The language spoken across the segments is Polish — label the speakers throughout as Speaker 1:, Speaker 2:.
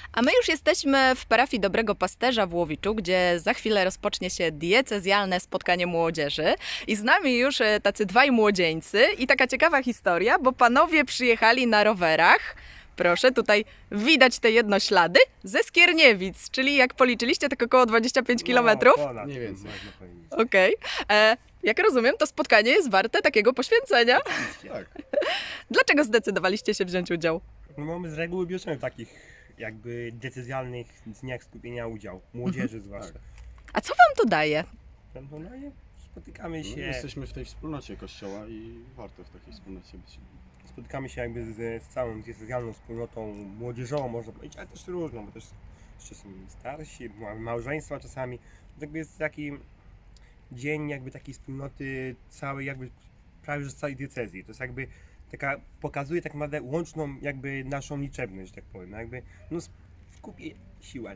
Speaker 1: A my już jesteśmy w parafii Dobrego Pasterza w Łowiczu, gdzie za chwilę rozpocznie się diecezjalne spotkanie młodzieży. I z nami już tacy dwaj młodzieńcy i taka ciekawa historia, bo panowie przyjechali na rowerach. Proszę, tutaj widać te jednoślady ze Skierniewic, czyli jak policzyliście, tak około 25 kilometrów.
Speaker 2: Ponad,
Speaker 3: Mniej więcej.
Speaker 2: można powiedzieć.
Speaker 1: Okej. Jak rozumiem, to spotkanie jest warte takiego poświęcenia.
Speaker 3: Tak.
Speaker 1: Dlaczego zdecydowaliście się wziąć udział?
Speaker 2: No my z reguły bierzemy w takich jakby decyzjalnych dniach skupienia udział, młodzieży zwłaszcza.
Speaker 1: A co wam to daje?
Speaker 2: No i spotykamy
Speaker 3: No,
Speaker 2: się,
Speaker 3: jesteśmy w tej wspólnocie kościoła i warto w takiej wspólnocie być.
Speaker 2: spotykamy się jakby z całą decyzjalną wspólnotą młodzieżową, można powiedzieć, ale też różną, bo też jeszcze są starsi, mamy małżeństwa czasami. Jakby jest taki dzień jakby takiej wspólnoty całej jakby prawie że z całej diecezji. To jest jakby taka, pokazuje tak naprawdę łączną jakby naszą liczebność, że tak powiem. Jakby no w kupie siła.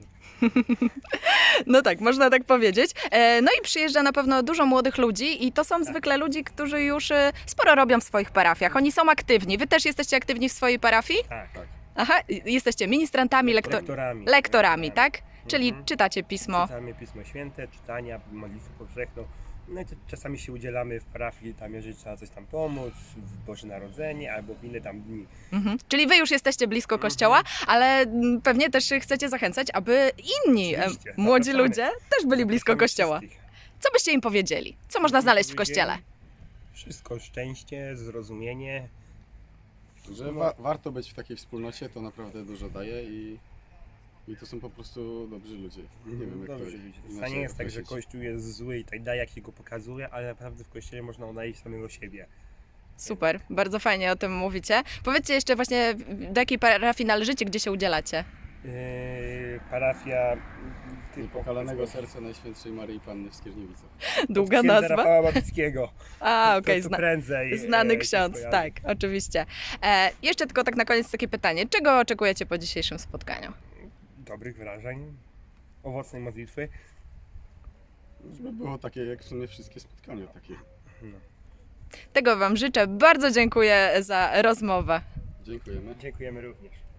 Speaker 1: No tak, można tak powiedzieć. No i przyjeżdża na pewno dużo młodych ludzi i to są zwykle ludzie, którzy już sporo robią w swoich parafiach. Oni są aktywni. Wy też jesteście aktywni w swojej parafii?
Speaker 2: Tak, tak.
Speaker 1: Aha, jesteście ministrantami, lektorami, tak? Czyli czytacie pismo.
Speaker 2: Czytamy Pismo Święte, czytania, modlitwę powszechną. No i to czasami się udzielamy w parafii, tam jeżeli trzeba coś tam pomóc, w Boże Narodzenie albo w inne tam dni.
Speaker 1: Czyli wy już jesteście blisko kościoła, ale pewnie też chcecie zachęcać, aby inni
Speaker 2: Oczywiście,
Speaker 1: młodzi
Speaker 2: zapraszamy.
Speaker 1: ludzie też byli blisko
Speaker 2: Zapraszamy
Speaker 1: kościoła.
Speaker 2: wszystkich.
Speaker 1: Co byście im powiedzieli? Co można znaleźć w kościele?
Speaker 2: Wszystko, szczęście, zrozumienie.
Speaker 3: Że warto być w takiej wspólnocie, to naprawdę dużo daje i to są po prostu dobrzy ludzie. Nie wiem jak
Speaker 2: Dobrze,
Speaker 3: to
Speaker 2: ludzie. To
Speaker 3: inaczej
Speaker 2: nie jest tak, że
Speaker 3: określić.
Speaker 2: Kościół jest zły i tak dalej, jak się go pokazuje, ale naprawdę w Kościele można odnaleźć samego siebie.
Speaker 1: Super, bardzo fajnie o tym mówicie. Powiedzcie jeszcze właśnie, do jakiej parafii należycie, gdzie się udzielacie?
Speaker 2: Parafia
Speaker 3: Niepokalanego serca Najświętszej Maryi Panny w Skierniewicach.
Speaker 1: Długa
Speaker 2: księdza
Speaker 1: nazwa?
Speaker 2: Rafała Babickiego.
Speaker 1: A, okej,
Speaker 2: To prędzej.
Speaker 1: znany
Speaker 2: się
Speaker 1: ksiądz,
Speaker 2: skojarzy.
Speaker 1: tak, oczywiście. Jeszcze tylko tak na koniec takie pytanie. Czego oczekujecie po dzisiejszym spotkaniu?
Speaker 2: Dobrych wrażeń, owocnej modlitwy.
Speaker 3: Żeby było takie jak w sumie wszystkie spotkania takie.
Speaker 2: No.
Speaker 1: Tego wam życzę. Bardzo dziękuję za rozmowę.
Speaker 3: Dziękujemy.
Speaker 2: Dziękujemy również.